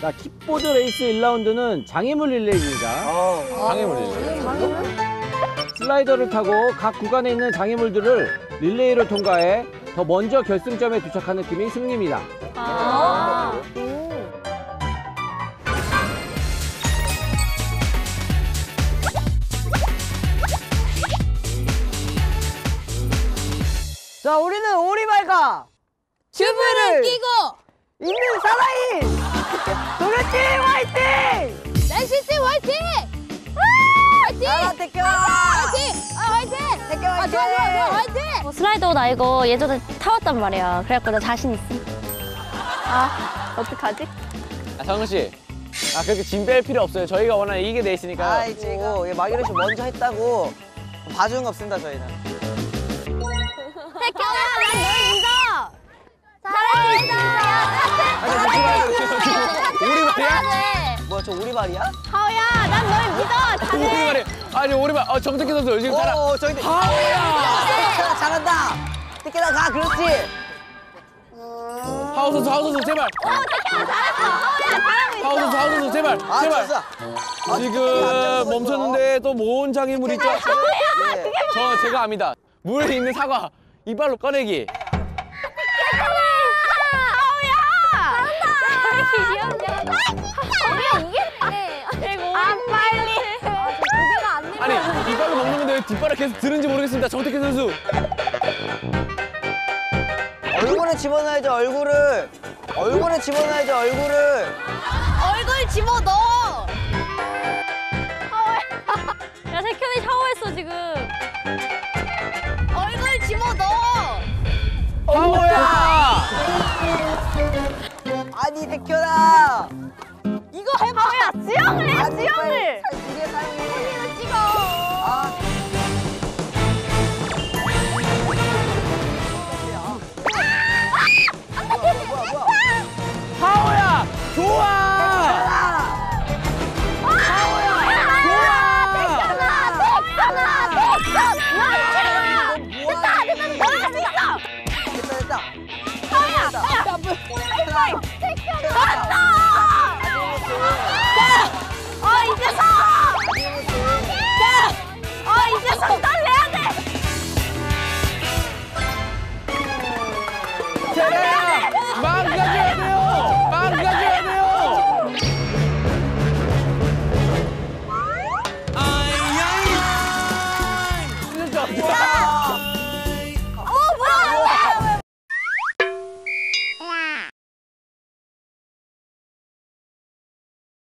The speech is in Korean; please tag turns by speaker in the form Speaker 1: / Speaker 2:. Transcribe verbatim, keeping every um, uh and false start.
Speaker 1: 자, 킥보드 레이스 일 라운드는 장애물 릴레이입니다.
Speaker 2: 아,
Speaker 3: 장애물 릴레이.
Speaker 1: 슬라이더를 타고 각 구간에 있는 장애물들을 릴레이로 통과해 더 먼저 결승점에 도착하는 팀이 승리입니다.
Speaker 4: 아.
Speaker 2: 자, 우리는 오리발과
Speaker 4: 튜브를 끼고
Speaker 2: 있는 사나이 도련팀 화이팅!
Speaker 4: 날씨팀 화이팅! 화이팅!
Speaker 2: 아, 태경아!
Speaker 4: 화이팅! 아, 화이팅!
Speaker 2: 태경
Speaker 4: 아,
Speaker 2: 화이팅!
Speaker 4: 좋아, 좋아, 좋아, 화이팅!
Speaker 5: 어, 슬라이더 나 이거 예전에 타봤단 말이야. 그래갖고 나 자신 있어. 아, 어떡하지?
Speaker 3: 아, 성훈 씨. 아, 그렇게 짐 뺄 필요 없어요. 저희가 워낙 이기게 돼 있으니까.
Speaker 2: 아이고, 마기로 씨 먼저 했다고 봐주는 거 없습니다, 저희는.
Speaker 4: 태경아, 난널 믿어! 잘할 수 있어! 야,
Speaker 3: 오리발이야?
Speaker 2: 뭐야, 저 오리발이야?
Speaker 4: 하우야, 난 널 믿어! 잘해!
Speaker 3: 오리발이. 아니, 오리발. 어, 정태기 선수 지금 잘하.
Speaker 2: 오, 저기.
Speaker 3: 하우야!
Speaker 2: 태경아, 잘한다! 태경아, 가, 그렇지!
Speaker 3: 하우 선수, 하우 선수, 제발.
Speaker 4: 태경아, 잘했어! 하우야, 잘하고 있어!
Speaker 3: 하우 선수, 하우 선수, 제발.
Speaker 2: 아,
Speaker 3: 제발.
Speaker 2: 좋았어. 아,
Speaker 3: 지금 멈췄는데 또 뭔 장애물 있죠?
Speaker 2: 네.
Speaker 3: 저 제가 압니다. 물에 있는 사과 이빨로 꺼내기. 아니 이빨로 먹는 건데 왜 뒷발을 계속 드는지 모르겠습니다. 정태기 선수.
Speaker 2: 얼굴에 집어넣어야죠, 얼굴을. 얼굴에 집어넣어야죠, 얼굴을.
Speaker 4: 얼굴 집어넣어!
Speaker 5: 야, 태현이 샤워했어, 지금.
Speaker 4: 얼굴 집어넣어!
Speaker 3: 하우야!
Speaker 2: 아니, 태현아!
Speaker 4: 이거 해봐! 하우야, 수영을 해,
Speaker 2: 아니,
Speaker 4: 수영을!
Speaker 2: 빨리 이게 사용해.
Speaker 4: 손으로 찍어!
Speaker 2: 아. 뭐야, 뭐야, 뭐야.
Speaker 3: 하우야! 좋아!